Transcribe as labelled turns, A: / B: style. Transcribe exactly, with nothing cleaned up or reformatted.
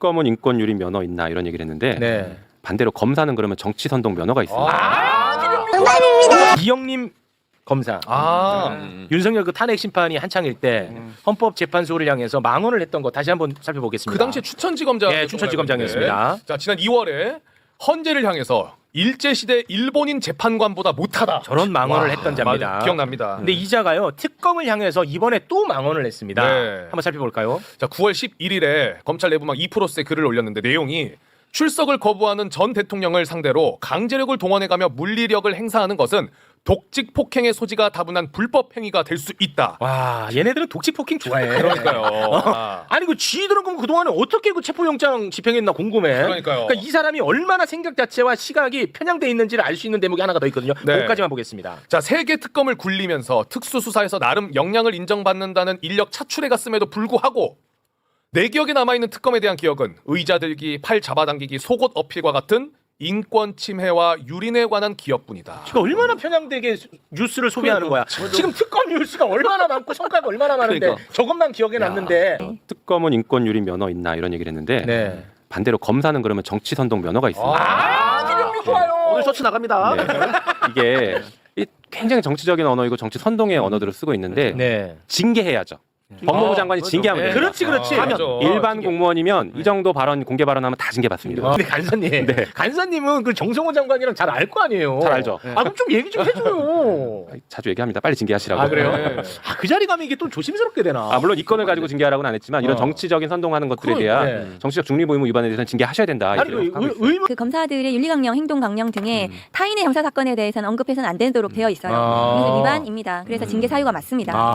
A: 특검은 인권 유린 면허 있나 이런 얘기를 했는데
B: 네.
A: 반대로 검사는 그러면 정치 선동 면허가 있습니다.
B: 아, 정답입니다. 이영님 검사.
C: 아,
B: 음. 윤석열 그 탄핵 심판이 한창일 때
C: 음.
B: 헌법재판소를 향해서 망언을 했던 거 다시 한번 살펴보겠습니다.
C: 그 당시에 추천지검장.
B: 네, 추천지검장이었습니다.
C: 자, 지난 이월에 헌재를 향해서 일제시대 일본인 재판관보다 못하다.
B: 저런 망언을
C: 와,
B: 했던 자입니다.
C: 맞아, 기억납니다.
B: 근데 이 자가요 특검을 향해서 이번에 또 망언을 했습니다.
C: 네.
B: 한번 살펴볼까요?
C: 자, 구월 십일일에 검찰 내부망 이 프로스에 글을 올렸는데 내용이 출석을 거부하는 전 대통령을 상대로 강제력을 동원해가며 물리력을 행사하는 것은 독직 폭행의 소지가 다분한 불법 행위가 될 수 있다.
B: 와, 얘네들은 독직 폭행 좋아해.
C: 그러니까요. 아.
B: 아니 그 쥐들은 그럼 그동안에 어떻게 그 체포영장 집행했나 궁금해.
C: 그러니까요.
B: 이 사람이 얼마나 생각 자체와 시각이 편향돼 있는지를 알 수 있는 대목이 하나가 더 있거든요.
C: 네.
B: 그것까지만 보겠습니다.
C: 자, 세계 특검을 굴리면서 특수수사에서 나름 역량을 인정받는다는 인력 차출해 갔음에도 불구하고 내 기억에 남아있는 특검에 대한 기억은 의자 들기, 팔 잡아당기기, 속옷 어필과 같은 인권 침해와 유린에 관한 기억뿐이다.
B: 지금 얼마나 편향되게 수- 뉴스를 소비하는 거야. 지금 특검 뉴스가 얼마나 많고 성과가 얼마나 많은데
A: 그러니까.
B: 저것만 기억에 남는데.
A: 특검은 인권 유린 면허 있나 이런 얘기를 했는데
B: 네.
A: 반대로 검사는 그러면 정치 선동 면허가 있습니다.
B: 아, 기념비 좋아요. 오늘 셔츠 나갑니다.
A: 네. 이게 이 굉장히 정치적인 언어이고 정치 선동의 언어들을 쓰고 있는데
B: 네.
A: 징계해야죠. 법무부 장관이
C: 맞아.
A: 징계하면
C: 네.
A: 됩니다.
B: 그렇지, 그렇지.
C: 아, 맞아.
A: 일반
C: 징계.
A: 공무원이면 이 정도 발언 공개 발언하면 다 징계받습니다.
B: 근데 간사님,
A: 네.
B: 간사님은 그 정성호 장관이랑 잘 알 거 아니에요.
A: 잘 알죠.
B: 아 그럼 좀 얘기 좀 해줘요.
A: 자주 얘기합니다. 빨리 징계하시라고.
B: 아 그래요?
C: 네.
B: 아 그 자리 가면 이게 좀 조심스럽게 되나?
A: 아, 물론 이 건을 가지고 징계하라고는 안 했지만 이런
B: 어.
A: 정치적인 선동하는 것들에
B: 그러니까.
A: 대한
B: 네.
A: 정치적 중립 의무 위반에 대해서는 징계하셔야 된다.
B: 아니
A: 이렇게
B: 그
A: 하고
B: 의,
A: 있어요.
B: 의무
D: 그 검사들의 윤리강령, 행동강령 등의
A: 음.
D: 타인의 형사 사건에 대해서는 언급해서는 안 되도록 되어 있어요.
B: 아.
D: 그래서 위반입니다. 그래서 징계 사유가 맞습니다.
B: 아.